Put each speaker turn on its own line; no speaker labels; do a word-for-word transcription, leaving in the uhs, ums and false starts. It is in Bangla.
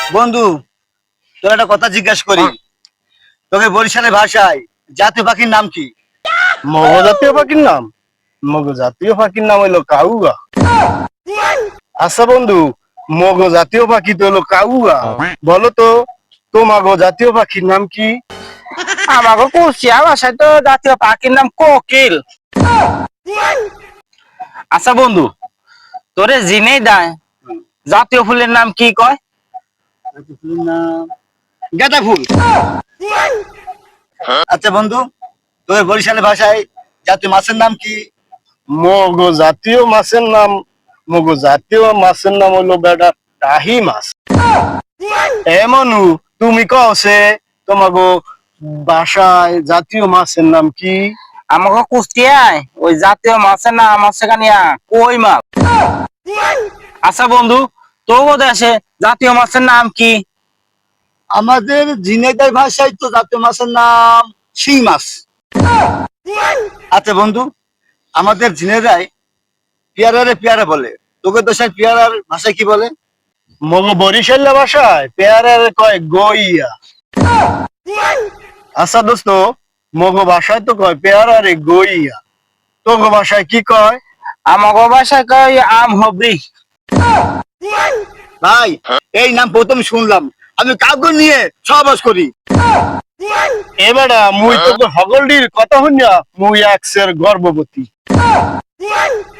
বন্ধু, তোর একটা কথা জিজ্ঞাসা করি। তোকে বরিশালের ভাষায় জাতীয় পাখির নাম কি?
মগ জাতীয় পাখির নাম মগ জাতীয় পাখির নাম হইলো কাউগা। আচ্ছা বন্ধু, মগ জাতীয় পাখি তো হলো কাউগা, বলো তো তোমাগো জাতীয় পাখির নাম কি?
আমাকে কুচিয়া ভাষায় তো জাতীয় পাখির নাম কোকিল। আচ্ছা বন্ধু, তোরে জিনেই দেয় জাতীয় ফুলের নাম কি কয়?
জাতীয় ফুলের নাম গাঁদা ফুল। আচ্ছা বন্ধু, তোর বরিশালের ভাষায় জাতীয় মাছের নাম কি?
মগ জাতীয় মাছের নাম মগ জাতীয় মাছের নাম হইলো বেটা টাহি মাছ। এমনু তুমি কওছে তোমাগো বাসায় জাতীয় মাছের নাম কি?
আমাকে কুষ্টিয়ায় ওই জাতীয় মাছের নাম আছে কানিয়া কই মাছ। আচ্ছা বন্ধু, তোর দেশে জাতীয় মাছের নাম কি?
আমাদের ঝিনাইদহ ভাষায় তো জাতীয় মাছের নাম শিং মাছ। আচ্ছা বন্ধু, আমাদের ঝিনাইদহ পেয়ারারে পেয়ারা বলে, তোকে দেশের পেয়ারার ভাষায় কি বলে?
মগ বরিশালের ভাষায় পেয়ারের কয় গইয়া। আচ্ছা দোস্ত, মগ ভাষায় তো কয় পেয়ারারে গইয়া, তোগ ভাষায় কি কয়?
আমাকে ভাষায় কয় আম হবি।
ভাই, এই নাম প্রথম শুনলাম, আমি কাউকে নিয়ে সহবাস করি।
এবারে মুই তোকে হগলডির কথা শুনিয়া মুই একসের গর্ভবতী।